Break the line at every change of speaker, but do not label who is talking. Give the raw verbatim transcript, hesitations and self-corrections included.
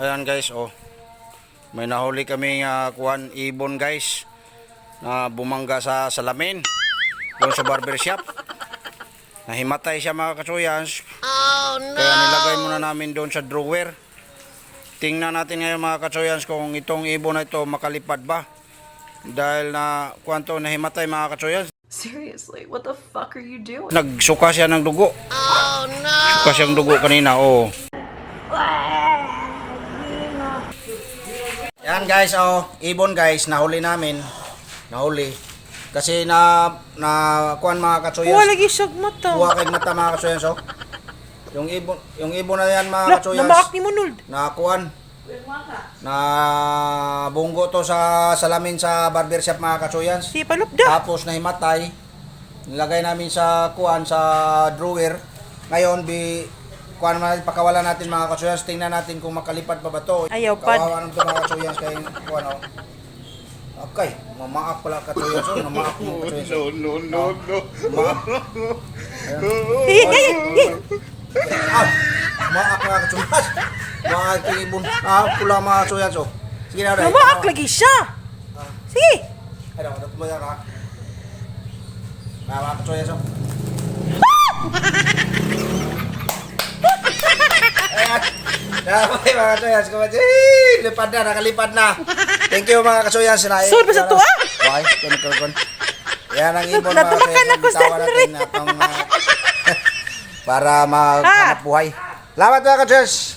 Ayan guys, oh. May nahuli kami uh, kuhan ibon guys na bumangga sa salamin doon sa barbershop. Nahimatay siya mga katsuyans. Oh no! Kaya nilagay muna namin doon sa drawer. Tingnan natin ngayon mga katsuyans kung itong ibon na ito makalipad ba. Dahil na kuwanto nahimatay mga katsuyans.
Seriously, what the fuck are you doing?
Nagsuka siya ng dugo. Oh no! Suka siyang dugo kanina, oh. Yan guys, oh, ibon guys, nahuli namin. Nahuli. Kasi na na kuan mga katsuyans.
Wala lagi siyag mata.
Kuha kay mata mga katsuyans, oh. Yung ibon, yung ibon na yan mga
La,
katsuyans.
namaak ni Munold.
Na kuan. Na bunggo to sa salamin sa barbershop mga katsuyans.
Si palupda.
Tapos nahimatay. Nilagay namin sa kuan sa drawer. Ngayon bi kuan natin pakawalan natin mga katsuyans, tingnan natin kung makalipad pa ba to.
Ayaw pad.
Kawawa nang to mga katsuyans kay kuan oh. Okay, mamaak pala katsuyans oh, mamaak mo katsuyans. No no no no. Mamaak.
Eh, eh, eh.
Ah, mamaak mga katsuyans. Mga ibon. Ah, pula mga katsuyans oh. Sige na dai.
Namaak lagi siya. Sige.
Ay, daw, daw mo yan ha. Mga katsuyans oh. Ayan. Dapat mga katsuyans. Lipad na, nakalipad na. Thank you mga katsuyans.
Sure ba sa to, ah?
Why? Kun, kun, kun. Yan ang ibon mga
Napamakan
katsuyans.
ako sa
Bitawa natin
rin.
na pang, uh, para maghanap buhay. Salamat mga katsuyans.